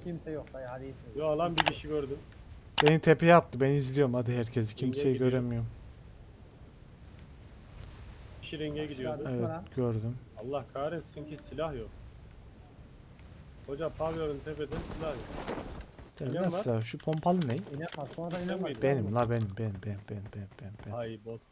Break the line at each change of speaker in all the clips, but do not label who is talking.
Kimse yok dayı, hadi iyisin.
Yo lan bir kişi gördüm.
Beni tepeye attı. Ben izliyorum hadi herkesi. Kimseyi
gidiyor.
göremiyorum.
Kişi renge gidiyordu.
Düşman
Evet
ha.
gördüm.
Allah kahretsin ki silah yok. Hoca pavyonun tepede silah yok. İnen var.
Nasıl? Şu pompalı ne?
İnemez, sonra da inemez.
miydin?
Benim la benim.
Ay bot.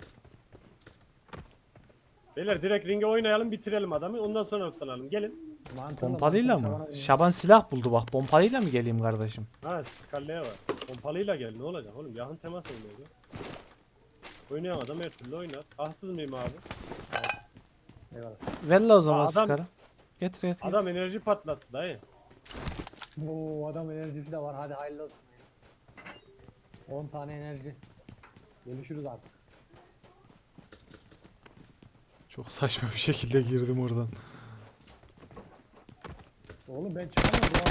Beyler direkt ringe oynayalım, bitirelim adamı, ondan sonra ıslanalım. Gelin.
Mantıklı,
Pompalıyla
mantıklı,
mı?
Şaban'a inemez.
Şaban silah buldu bak. Pompalıyla mı geleyim kardeşim?
Ha skaleye var. Pompalıyla gel, ne olacak oğlum, yakın temas oynuyor. Oynayan adam her türlü oynar. Haksız mıyım abi?
Eyvallah.
Ver la o zaman
Aa, adam-
sıkarı. Getir.
Adam enerji patlattı dayı.
Oo, adam enerjisi de var, hadi hayırlı olsun. 10 tane enerji. Görüşürüz artık.
Çok saçma bir şekilde girdim oradan.
Oğlum ben çıkamadım ya.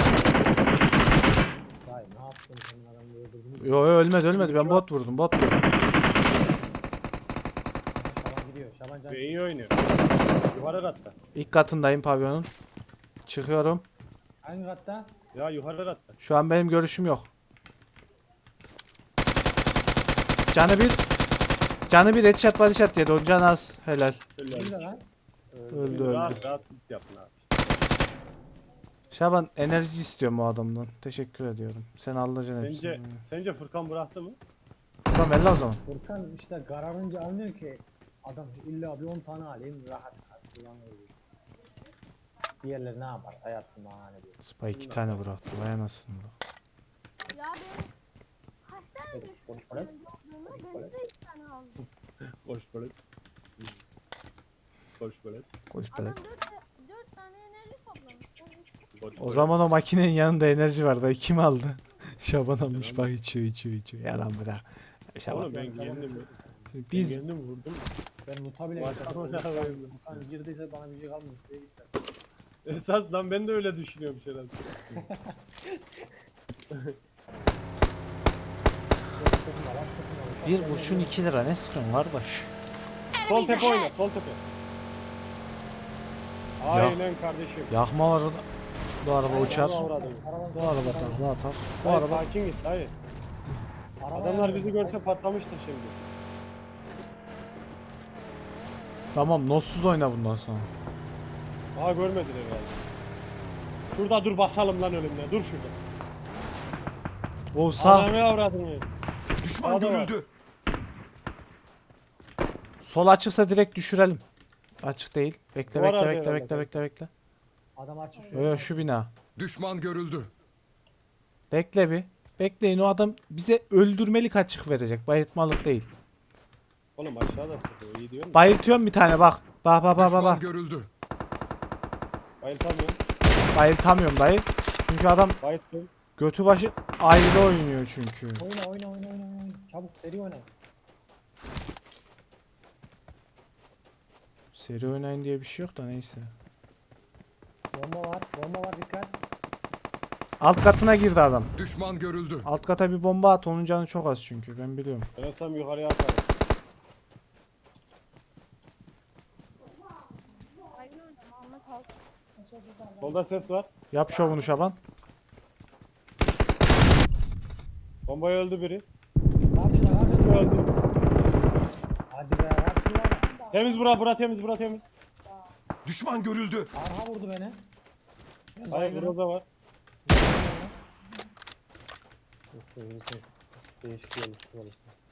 Dayı ne yaptın, senin adamı öldürdün.
Yo ölmedi. Ben bot vurdum.
Şaban gidiyor, Şaban can.
Ve iyi oynuyor. Yukarı katta.
İlk katındayım pavyonun. Çıkıyorum.
Hangi katta?
Ya yukarı katta.
Şu an benim görüşüm yok. Canı bir headshot body shot yedi. O can az. Helal.
Şöyle
Nerede lan?
Öldü.
rahat rahat tut yapın abi.
Şaban enerji istiyorum o adamdan. Teşekkür ediyorum. Sen alacaksın hepsini.
Sence Furkan bıraktı mı?
Tamam ver la o zaman.
Furkan işte kararınca anlıyor ki adam illa bir 10 tane alayım rahat kullanıyor. Diğerleri ne yapar? Hayatım bahane diyor.
Spy 2 tane bıraktı. Vay anasını.
Ya benim kaç tane
Evet,
düşman
konuş bana.
olduğunu ben de 2 tane aldım.
Boş böyle. Boş böyle.
Koş
Adam
böyle.
4 tane enerji toplamış.
Boş
O zaman o makinenin yanında enerji vardı. Kim aldı? Şaban almış
Yalan.
bak içiyor. Yalan bırak. Şaban.
Oğlum ben kendim
Biz
kendim vurdum.
Ben Muta bile
Başka
geçerim.
ne yapayım?
Furkan girdiyse bana bir şey kalmıyor. Diye gitti.
Esas lan ben de öyle düşünüyorum herhalde.
bir kurşun 2 lira ne sıkıyorsun kardeş?
Sol tepe oyna, sol tepe. Aynen kardeşim.
Yakma var orada. Bu araba uçar.
Avradım.
Bu araba takla atar. Bu
Hayır,
araba
sakin git, hayır. Adamlar bizi görse patlamıştır şimdi.
tamam notsuz oyna bundan sonra.
Aha görmediler herhalde. Şurada dur basalım lan önümden, dur şurada.
O sağ
Adamı avradın ya.
Düşman
Sağda var.
görüldü.
sol açıksa direkt düşürelim. Açık değil. Bekle
Duvar
bekle
arıyor
bekle
herhalde.
bekle.
Adam açık şu.
Yo, yo, şu bina.
Düşman görüldü.
Bekle bir. Bekleyin o adam bize öldürmelik açık verecek. Bayıltmalık değil.
Oğlum aşağıda sıkıyor, iyi diyor mu?
Bayıltıyorum bir tane bak. Bak.
Düşman görüldü.
Bayıltamıyorum.
Bayıltamıyorum dayı. Çünkü adam
Bayılttım.
götü başı ayrı oynuyor çünkü.
Oyna. Çabuk seri oyna.
Seri oynayın diye bir şey yok da neyse.
Bomba var dikkat.
Alt katına girdi adam.
Düşman görüldü.
Alt kata bir bomba at. Onun canı çok az çünkü. Ben biliyorum.
Ben olsam yukarıya atarım.
Aynı oynama Ahmet al.
Solda ses var.
Yap şovunu Şaban.
Bombayı öldü biri.
Karşıda.
Öldü.
Hadi be karşıda.
Temiz bura temiz.
Düşman görüldü.
Arha vurdu beni. Ben
Hayır
baygınım.
burada var.
Değişik yolu tutuyor.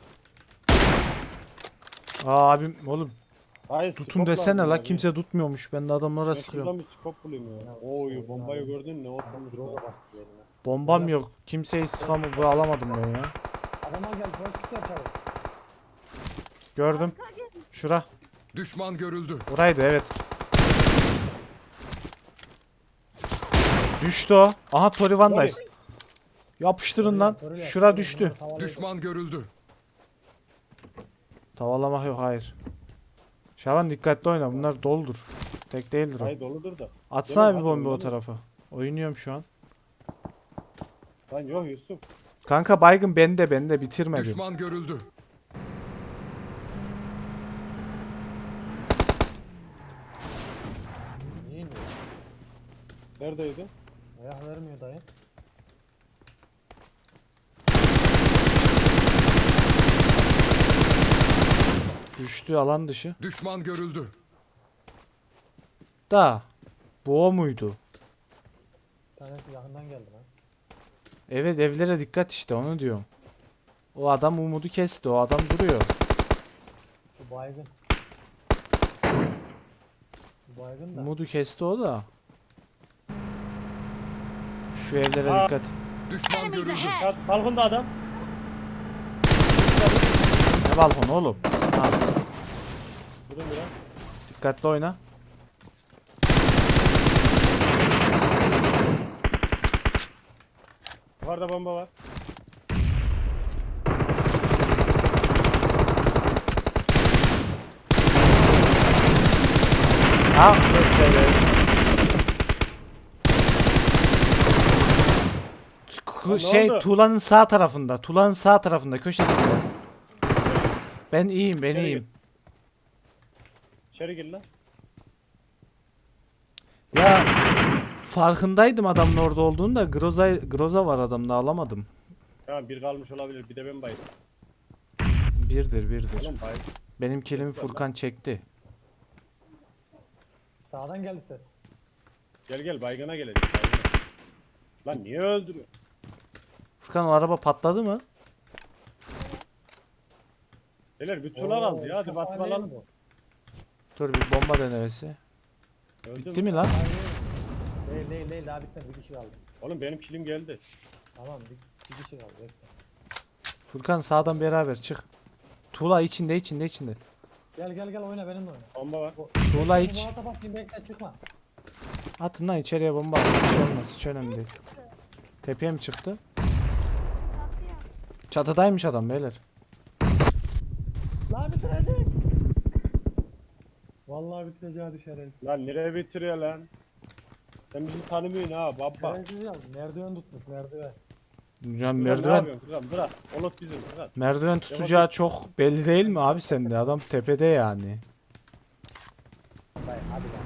Aa abim oğlum
Hayır,
tutun
skop
desene
lazım
la
ya.
kimse tutmuyormuş. Ben de adamlara
Ben şuradan
sıkıyorum.
bir skop bulayım ya. Oy bombayı gördün ne ortamı
Droga bastı yerine.
Bombam yok. Kimseyi sıkamı alamadım ben ya.
Adama gel pozitif yap çabuk.
Gördüm.
Arka gel.
Şura.
Düşman görüldü.
Oraydı evet. Düştü o. Aha Torivan'dayız. Yapıştırın lan. Şura düştü.
Düşman görüldü.
Tavalamak yok hayır. Şaban dikkatli oyna bunlar doldur. Tek değildir o.
Hayır doludur da.
Atsana
Değil mi?
bir bomba o
Hadi
tarafa. Oynuyorum şu an.
Lan yok Yusuf.
Kanka baygın bende bitirmedim.
Düşman görüldü.
Niye iniyor?
Neredeydi?
Ayak vermiyor dayı.
Düştü alan dışı.
Düşman görüldü.
Da. Bu o muydu?
Bir tanesi yakından geldi lan.
Evet evlere dikkat işte onu diyorum. O adam umudu kesti. O adam duruyor.
Bu baygın. Bu baygın da.
Umudu kesti o da. Şu evlere
Aa.
dikkat.
Düşman
Enemies
görüldü.
ahead!
Ya balkonda adam.
Ne balkon oğlum? Ha,
Vurdum biraz.
dikkatli oyna.
Yukarıda bomba var.
Ha, evet.
ne
Şey
oldu?
tuğlanın sağ tarafında. Tuğlanın sağ tarafında köşesinde. Ben iyiyim, ben
İçeri
iyiyim.
İçeri gir lan.
Ya farkındaydım adamın orada olduğunu da Groza var adamda alamadım.
Tamam bir kalmış olabilir. Bir de ben bayıldım.
Birdir.
Oğlum bayıldım.
Benim kilimi Furkan çekti.
Sağdan geldi ses.
Gel baygına gelecek. Baygına. Lan niye öldürüyor?
Furkan o araba patladı mı?
Beyler bir tuğla aldı ya. Hadi
çok
basma
aleyhim
lan.
bu.
Dur bir bomba denemesi.
Öldüm.
Bitti mi lan?
Değil daha bitmedi, bir kişi kaldı.
Oğlum benim kilim geldi.
Tamam bir kişi kaldı, bekle.
Furkan sağdan beraber çık. Tuğla içinde.
Gel oyna, benimle oyna.
Bomba var.
Tuğla iç.
Bu bakayım, bekle, çıkma.
Atın lan içeriye bomba atın. Hiç olmaz. Hiç önemli değil. Tepeye mi çıktı?
Çatıya.
Çatıdaymış adam beyler.
Lan bitirecek. Vallahi bitireceği şerefsiz.
Lan nereye bitiriyor lan? Sen bizi tanımıyorsun ha baba.
Şerefsiz ya, merdiven tutmuş, merdiven.
Ya
Ne
merdiven
yapıyorsun kızım? Bırak. Olut bizim bırak.
merdiven tutacağı çok belli değil mi abi sende? Adam tepede yani.
Dayı hadi lan.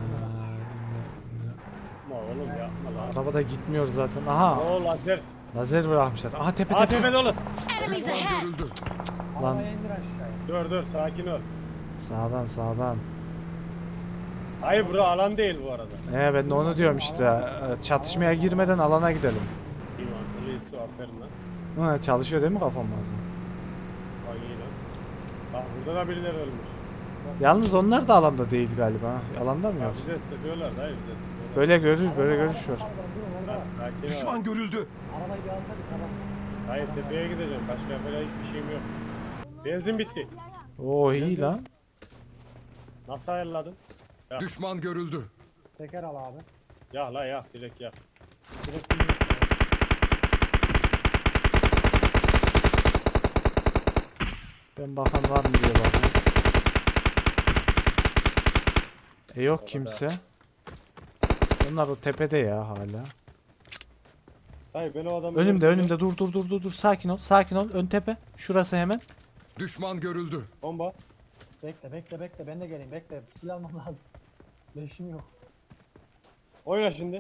Yapma oğlum yapma lan.
Arabada gitmiyor zaten. Aha
Oo lazer.
lazer bırakmışlar. Aha tepe.
ATV'de olur.
Enemies
Düşman
ahead!
görüldü.
Lan.
Arabaya indir aşağıya.
Dur sakin ol.
Sağdan.
Hayır bura alan değil bu arada.
Ben de onu diyorum işte. Çatışmaya girmeden alana gidelim.
İyi mantıklı su aferin lan.
Ha, çalışıyor değil mi kafam bazen?
Ay iyi lan. Bak burada da birileri ölmüş.
Yalnız onlar da alanda değil galiba. Ha. Alanda mı
Ya
yoksa?
bize sıkıyorlar dayı bize sıkıyorlar.
Böyle görüş var.
Durun orada.
Lan sakin ol.
Düşman görüldü.
Arabayı bir alsana sabah.
Hayır tepeye gideceğim. Başka yapacak hiçbir şeyim yok. Benzin bitti.
Oo iyi lan.
Nasıl ayarladın? Ya.
Düşman görüldü.
Teker al abi.
Ya la ya direkt ya.
Direkt indir.
Ben bakan var mı diye bakıyorum. Yok kimse. Onlar o tepede ya hala.
Hayır ben o adamı...
Önümde dur. Sakin ol. Ön tepe. Şurası hemen.
Düşman görüldü.
Bomba.
Bekle, ben de geleyim, bekle. Silah almam lazım. Leşim yok.
Oyna şimdi.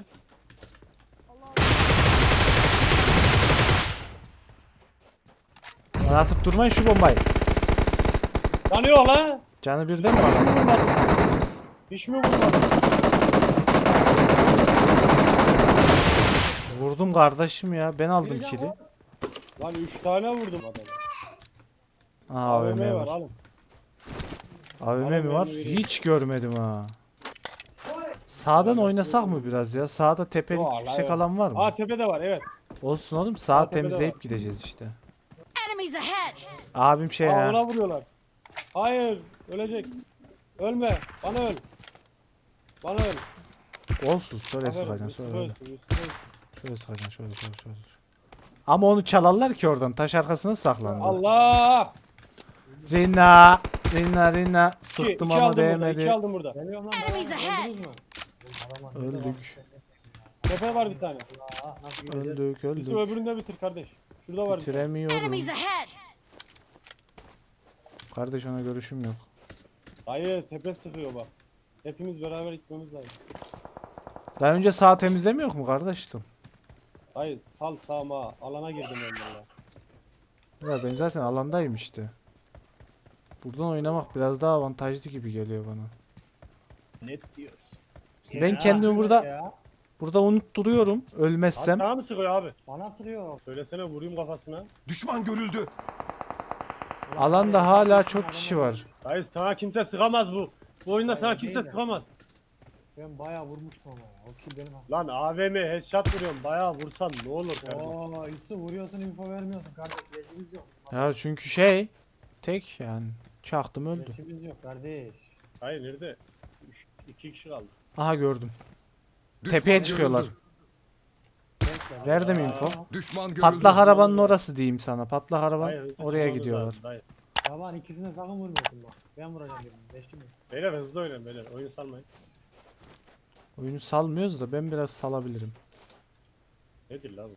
Bana atıp durmayın şu bombayı.
Yanıyor la.
Canı birden mi var?
Hiç mi vurmadın?
Vurdum kardeşim ya. Ben aldım
Biri
kili.
daha
Lan 3 tane vurdum adamı.
AVM var.
alın.
AVM mi var? Hiç görmedim ha. Sağdan oynasak mı biraz ya? Sağda tepelik
Vallahi
yüksek
evet.
alan var mı?
Aa tepede var evet.
Olsun oğlum sağa
tepede
temizleyip
var.
gideceğiz işte.
Enemies ahead!
Abim şey
Aa
ya.
ona vuruyorlar. Hayır ölecek. Ölme. Bana öl. Bana öl.
Olsun şöyle
Aferin,
sıkacaksın
üstüne
şöyle.
ölsün, üstüne ölsün.
Şöyle sıkacaksın şöyle. Ama onu çalarlar ki oradan taş arkasına saklandı.
Allah!
Rina sıktım
İki
ama
aldım burada,
değmedi.
iki aldım burada.
Geliyorum lan.
Enemies
bana.
ahead!
Öldünüz mü? Adama
Öldük.
Tepe var bir tane.
Aa, nasıl gideceğiz?
Öldük.
Yusuf öbürünü de bitir kardeş. Şurada var bir tane.
Bitiremiyorum.
Enemies ahead!
Kardeş ona görüşüm yok.
Hayır tepe sıkıyor bak. Hepimiz beraber gitmemiz lazım.
Daha önce sağ temizlemiyor mu kardeştim?
Hayır sal sağma. Alana girdim ben valla.
Ya ben zaten alandayım işte. Buradan oynamak biraz daha avantajlı gibi geliyor bana.
Net diyoruz.
Ben kendimi burada
Ya,
unutturuyorum
Abi
ölmezsem.
sana mı sıkıyor abi?
bana sırıyor.
Söylesene vurayım kafasına.
Düşman görüldü.
Alanda hala çok kişi var.
Dayı sana kimse sıkamaz bu. Bu oyunda
Hayır,
sana
değil
kimse
de.
sıkamaz.
Ben bayağı vurmuştum ama ya. O kill benim.
Lan AVM headshot vuruyorum. Bayağı vursan ne olur kardeşim.
Oo, Yusuf vuruyorsun info vermiyorsun kardeş. Leşimiz yok.
Ya çünkü tek yani çaktım öldü.
Leşimiz yok kardeş.
Hayır nerede? 2 kişi kaldı.
Aha gördüm.
Düşman
Tepeye
görüldü.
çıkıyorlar.
Bekle.
Verdim info.
Düşman görüldü.
Patlak arabanın orası diyeyim sana. Patlak araban
Dayı, hızlı
oraya
çıkmamız
gidiyorlar.
lazım, dayı.
Taban ikisine sakın vurmuyorsun bak. Ben vuracağım birini. Leşim yok.
Beyler hızlı oynayın beyler. Oyun salmayın.
Oyunu salmıyoruz da ben biraz salabilirim.
Nedir lan bu?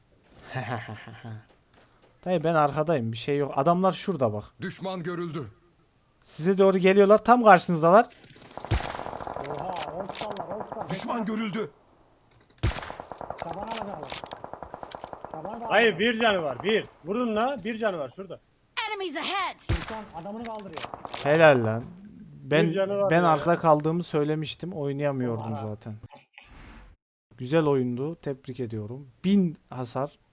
Dayı ben arkadayım bir şey yok. Adamlar şurada bak.
Düşman görüldü.
Size doğru geliyorlar. Tam karşınızdalar.
Oha, olsallar, olsallar.
Düşman görüldü.
Taban alacaklar. Taban da
Hayır bir canı var. Bir. Vurun la. Bir canı var şurada.
Enemies ahead!
Sultan adamını kaldırıyor.
Helal lan. Ben
Bir canı var
ben
ya.
arkada kaldığımı söylemiştim. Oynayamıyordum
Oha.
zaten. Güzel oyundu. Tebrik ediyorum. 1000 hasar.